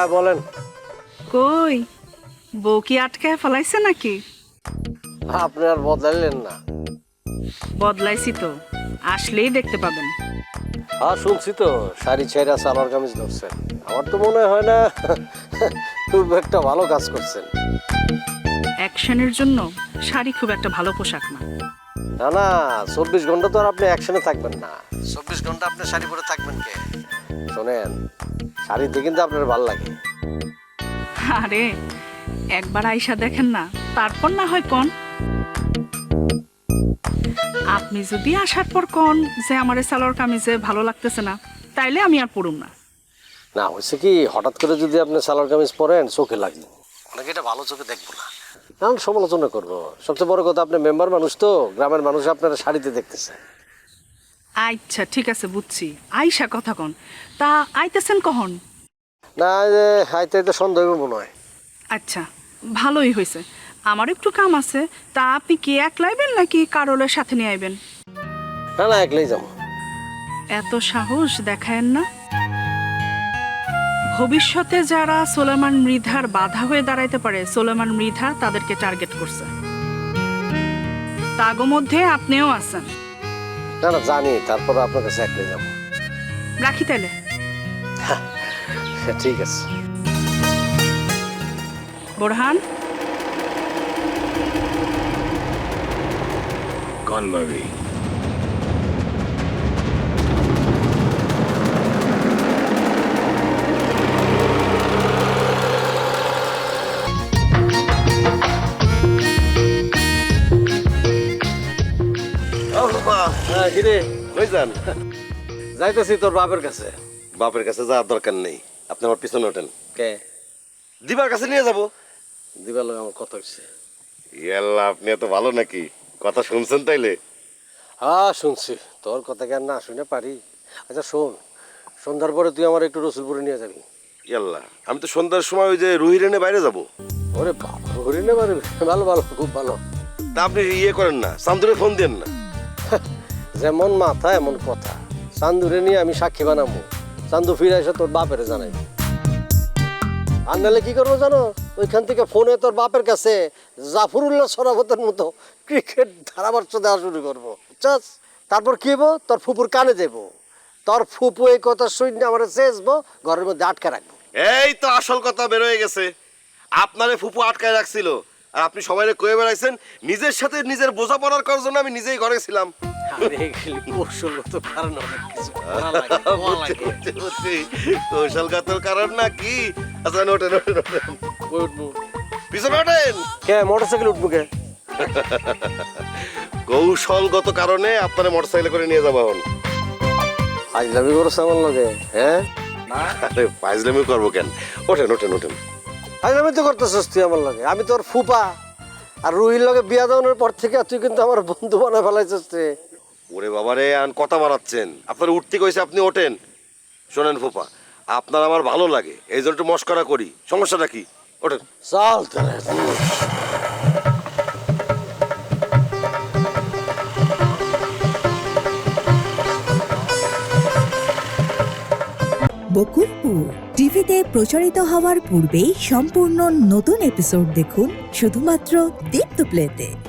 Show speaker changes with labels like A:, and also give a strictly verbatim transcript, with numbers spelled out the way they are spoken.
A: হ্যাঁ বলেন।
B: কই বউ কি আটকায় ফেলাইছে নাকি?
A: আপনি আর বদলাইলেন না।
B: বদলাইছি তো, আসলেই দেখতে পাবেন।
A: হ্যাঁ শুনছি তো শাড়ি ছেঁড়া সালোয়ার কামিজ ধরছেন। আমার তো মনে হয় না খুব একটা ভালো কাজ করছেন।
B: অ্যাকশনের জন্য শাড়ি খুব একটা ভালো পোশাক না।
A: না না, চব্বিশ ঘন্টা তো আর আপনি অ্যাকশনে থাকবেন না। চব্বিশ ঘন্টা আপনি শাড়ি পরে থাকবেন কে? শোনেন, শাড়িতে কিন্তু আপনার ভালো লাগে।
B: আরে একবার আইসা দেখেন না, তারপর না হয় কোন। আপনি যদি আসার পর কোন যে আমার সালোয়ার কামিজে ভালো লাগতেছে না, তাইলে আমি আর পড়ুম না।
A: না হয়েছে কি, হঠাৎ করে যদি আপনি সালোয়ার কামিজ পরেন চোখে লাগবে, অনেকে এটা ভালো চোখে দেখবো না, কারণ সমালোচনা করবো। সবচেয়ে বড় কথা, আপনি মেম্বার মানুষ তো, গ্রামের মানুষ আপনারা শাড়িতে দেখতেছে।
B: আচ্ছা ঠিক আছে, বুঝছি। আইসা কথা কন, তা আইতেছেন কখন?
A: না যে হাইতে হাইতে সন্দেহ হইব মনে হয়।
B: আচ্ছা ভালোই হয়েছে, আমার একটু কাম আছে। তা আপনি কি একলাইবেন নাকি কারোলের সাথে নিয়ে আইবেন?
A: না না, একলাই যাবো।
B: এত সাহস দেখায়েন না। ভবিষ্যতে যারা সোলেমান মৃধার বাধা হয়ে দাঁড়াইতে পারে, সোলেমান মৃধা তাদেরকে টার্গেট করছে। তাগো মধ্যে আপনিও আছেন।
A: না না জানি, তারপর আপনার কাছে একলাই যাবো।
B: রাখি তাইলে।
A: ঠিক আছে।
B: Borhan,
C: Con Marie.
A: হ্যাঁ কিরে কই যান? যাইতেছি তোর বাপের কাছে।
D: বাপের কাছে যাওয়ার দরকার নেই, আপনি আমার পিছনে ওঠেন।
A: কে?
D: দিবার কাছে নিয়ে যাব।
A: দিবার লোক আমার কথা হচ্ছে।
D: ইয়াল্লা, আপনি এত ভালো নাকি? কথা শুনছেন তাইলে?
A: হ্যাঁ শুনছি, তোর কথা কেন না শুনে পারি। আচ্ছা শোন, সন্ধ্যার পরে তুই আমার একটু রসুলপুরে নিয়ে যাবি।
D: ইয়াল্লা, আমি তো সন্ধ্যার সময় ওই যে রুহিরেনে বাইরে যাব।
A: ওরে বাবা, হরিণে পারবি? ভালো ভালো, খুব ভালো।
D: তা আপনি ইয়ে করেন না, চান্দুরে ফোন দেন না।
A: যেমন মাথা এমন কথা। চান্দুরে নিয়ে আমি সাক্ষী বানাবো, চান্দু ফিরে এসে তোর বাপের জানাই। আর নাহলে কি করবো জানো, ওইখান থেকে ফোনে তোর বাপের কাছে জাফরুল্লাহ সরাফতের মতো ক্রিকেট ধারাভাষ্য দেওয়া শুরু করবো, বুঝছস? তারপর কি হবো, তোর ফুপুর কানে দেবো, তোর ফুপু এই কথা শুনে আমার চেয়েছবো, ঘরের মধ্যে আটকে রাখবো।
D: এই তো আসল কথা বের হয়ে গেছে। আপনারে ফুপু আটকায় রাখছিল, আর আপনি সবাই কয়ে বেড়াইছেন নিজের সাথে নিজের বোঝাপড়ার করার জন্য আমি নিজেই ঘরে ছিলাম।
A: কৌশলগত কারণ অনেক কিছু
D: বুঝছি, বুঝছি। কৌশলগত কারণ না কি? আচ্ছা ওঠেন ওঠেন ওঠেন, পিছনে ওঠেন।
A: কে মোটরসাইকেল উঠবো কে?
D: কৌশলগত কারণে আপনারা মোটরসাইকেল করে নিয়ে যাবো এখন।
A: ফাইজলামি করছে আমার লগে? হ্যাঁ
D: আরে ফাইজলামি করবো কেন? ওঠেন ওঠেন ওঠেন।
A: ফাইজলামি তো করতেছিস তুই আমার লগে। আমি তোর ফুপা, আর রুহির লগে বিয়া দেওয়ানোর পর থেকে তুই কিন্তু আমার বন্ধু বানায় ফেলাইছিস রে।
D: ওরে বাবারে, আন কথা বাড়াচ্ছেন। আপনার উঠতে কইছে, আপনি ওঠেন। শোনেন ফুপা, আপনার আমার ভালো লাগে, এই জন্য একটু মস্করা করি, সমস্যাটা কি? ওঠেন।
A: চল তাহলে।
E: বকুলপুর টিভিতে প্রচারিত হওয়ার পূর্বেই সম্পূর্ণ নতুন এপিসোড দেখুন শুধুমাত্র দীপ্ত প্লেতে।